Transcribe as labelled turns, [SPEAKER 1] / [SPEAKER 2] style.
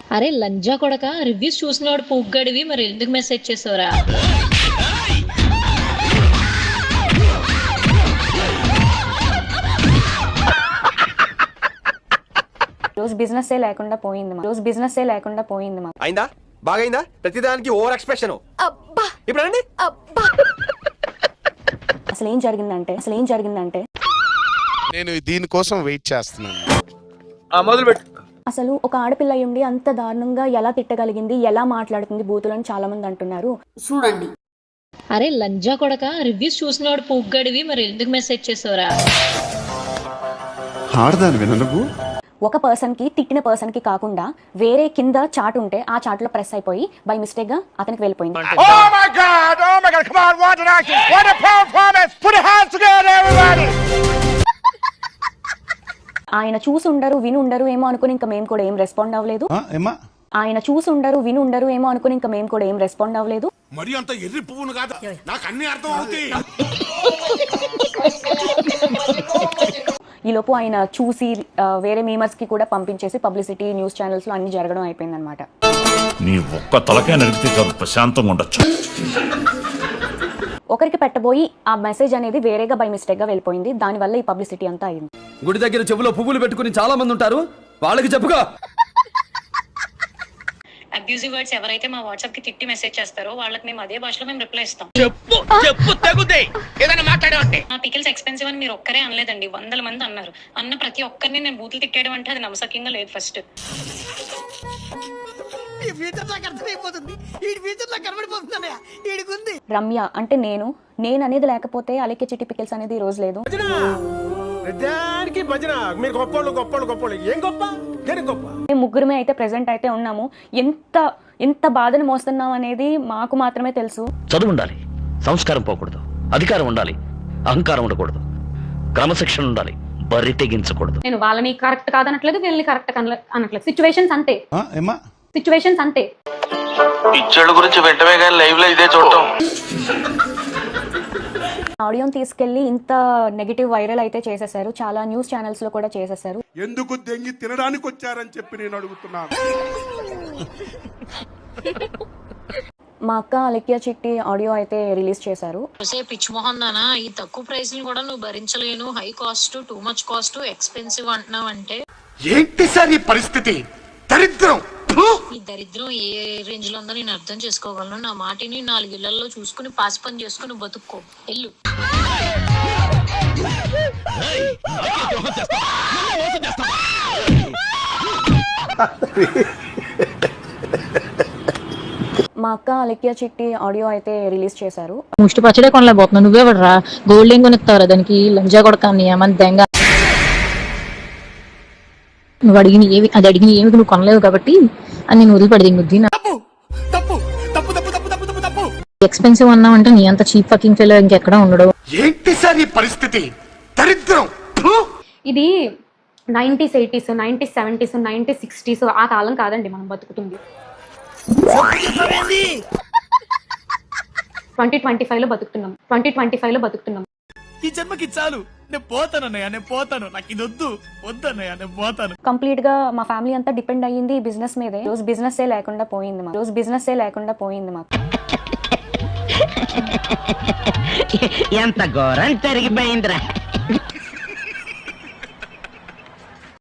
[SPEAKER 1] అరే లంజా కొడక, రివ్యూస్ చూసినవాడు పూగ్గడివి, మరి ఎందుకు మెసేజ్ చేసావురా?
[SPEAKER 2] రోజు బిజినెస్ లేకుండా పోయింది మా
[SPEAKER 3] అయిందా? బాగైందా? ప్రతిదానికి ఓవర్ ఎక్స్ప్రెషన్. ఇప్పుడు అండి
[SPEAKER 2] అసలు ఏం జరిగిందంటే
[SPEAKER 4] నేను దీనికోసం వెయిట్ చేస్తున్నాను.
[SPEAKER 3] మొదలుపెట్టు.
[SPEAKER 2] అసలు ఒక ఆడపిల్ల అయ్యుండి అంత దారుణంగా ఎలా తిట్టగలిగింది, ఎలా మాట్లాడుతుంది బూతులని చాలా మంది అంటున్నారు. చూడండి.
[SPEAKER 1] అరే లంజా కొడక, రివ్యూస్ చూసినవాడు పూగ్గడివి, మరి ఎందుకు మెసేజ్ చేసావురా?
[SPEAKER 2] ఒక పర్సన్ కి తిట్టిన పర్సన్ కి కాకుండా వేరే కింద చాట్ ఉంటే ఆ చాట్ లో ప్రెస్ అయిపోయి బై మిస్టేక్ గా అతనికి వెళ్ళిపోయింది. ఆయన చూసి ఉండరు విని ఉండరు ఏమో అనుకుని ఇంకా మేము కూడా ఏం రెస్పాండ్ అవ్వలేదు.
[SPEAKER 4] మరి అంత ఎర్రి పువ్వును కాదు, నాకు అన్ని అర్థం అవుతాయి.
[SPEAKER 2] ఈ లోపు ఆయన చూసి వేరే మీమర్స్ కి కూడా పంపించేసి పబ్లిసిటీ న్యూస్ ఛానల్స్ లో అన్ని జరగడం అయిపోయింది అనమాట.
[SPEAKER 5] నీ ఒక్క తలకే నడిపితే చాలు ప్రశాంతంగా ఉండొచ్చు.
[SPEAKER 2] ఒకరికి పెట్టబోయి ఆ మెసేజ్ అనేది వేరేగా బై మిస్టేక్ గా వెళ్ళిపోయింది. దానివల్ల ఈ పబ్లిసిటీ అంతా అయింది.
[SPEAKER 6] గుడి దగ్గర చెవులో పువ్వులు పెట్టుకుని చాలా మంది ఉంటారు, వాళ్ళకి చెప్పుగా.
[SPEAKER 1] అబ్యూజివ్ వర్డ్స్ ఎవరైతే మా వాట్సాప్ కి తిట్టి మెసేజ్ చేస్తారో వాళ్ళకి మేము అదే భాషలో మేము రిప్లై ఇస్తాం. మా పికిల్స్ ఎక్స్పెన్సివ్ అని మీరు ఒక్కరే అనలేదండి, 100 మంది అన్నారు. అన్న ప్రతి ఒక్కరిని నేను బూతులు తిట్టేయడం అంటే అది నమ్మసక్యంగా లేదు. ఫస్ట్
[SPEAKER 2] రమ్య అంటే నేను అనేది లేకపోతే అలెక్కే చిట్టి పికిల్స్ అనేది ఈ రోజు లేదు. మేము ముగ్గురమే అయితే ప్రెసెంట్ అయితే ఉన్నాము. ఎంత బాధను మోస్తున్నాం అనేది మాకు మాత్రమే తెలుసు.
[SPEAKER 7] చదువు ఉండాలి, సంస్కారం పోకూడదు, అధికారం ఉండాలి, అహంకారం ఉండకూడదు, క్రమశిక్షణ ఉండాలి, బరి తెగించకూడదు.
[SPEAKER 8] నేను వాళ్ళని కరెక్ట్ కాదనట్లేదు, వీళ్ళని కరెక్ట్ అనట్లేదు. సిచ్యువేషన్స్ అంతే.
[SPEAKER 9] పిచ్చోళ్ళ గురించి వెంటనే కానీ లైవ్ లో ఇదే చూడటం.
[SPEAKER 2] ఆడియోని తీసుకెళ్లి ఇంత నెగటివ్ వైరల్ అయితే చేసేసారు. చాలా న్యూస్ ఛానల్స్ లో కూడా చేసేసారు.
[SPEAKER 4] ఎందుకు దెంగి తినడానికి వచ్చారని చెప్పి నేను అడుగుతున్నాను.
[SPEAKER 2] మా అక్క అలెక్కియా చిట్టి ఆడియో అయితే రిలీజ్ చేశారు.
[SPEAKER 1] పిచ్ మోహన్ నానా, ఈ తక్కువ ప్రైస్ ని కూడా నువ్వు భరించలేను, high cost, too much cost, expensive అంటున్నావు అంటే
[SPEAKER 4] ఏంటి సార్ ఈ పరిస్థితి? దరిద్రం.
[SPEAKER 1] ఈ దరిద్రం ఏ రేంజ్ లో ఉందో నేను అర్థం చేసుకోగలను. నా మాటిని 4 ఇళ్లలో చూసుకుని పాసి పని చేసుకుని బతుక్కో, ఎల్లు.
[SPEAKER 2] మా అక్క అలెక్కియా చిట్టి ఆడియో అయితే రిలీజ్ చేశారు.
[SPEAKER 1] ముష్టి పచ్చడే కొనలేకపోతున్నావు, నువ్వే పడరా గోల్డ్ ఏం కొనిస్తావురా దానికి, లంజా కొడకాన్ని ఏమంత. నువ్వు అడిగిన ఏమి నువ్వు కొనలేవు కాబట్టి అని నేను వదిలిపడది బుద్ధి. ఎక్స్పెన్సివ్ అన్నావంటే నీ అంత చీప్ ఫకింగ్ ఫెలో ఇంకెక్కడ ఉండడు.
[SPEAKER 4] ఏంటి సార్ ఈ పరిస్థితి? దరిద్రం.
[SPEAKER 8] ఇది 90s, 80s, 90s, 70s, 90s, 60s ఆ కాలం కాదండి మనం బతుకుతుంది. 2025 లో బతుకుతున్నాం.
[SPEAKER 6] ఈ జన్మకి చాలు, నేను పోతాను, నాకు ఇది వద్దన్నయ్య, నేను పోతాను.
[SPEAKER 2] కంప్లీట్ గా మా ఫ్యామిలీ అంతా డిపెండ్ అయ్యింది ఈ బిజినెస్ మీదే. రోజు బిజినెస్ లేకుండా పోయింది మాకు.
[SPEAKER 7] ఎంత ఘోరం జరిగిపోయిందిరా.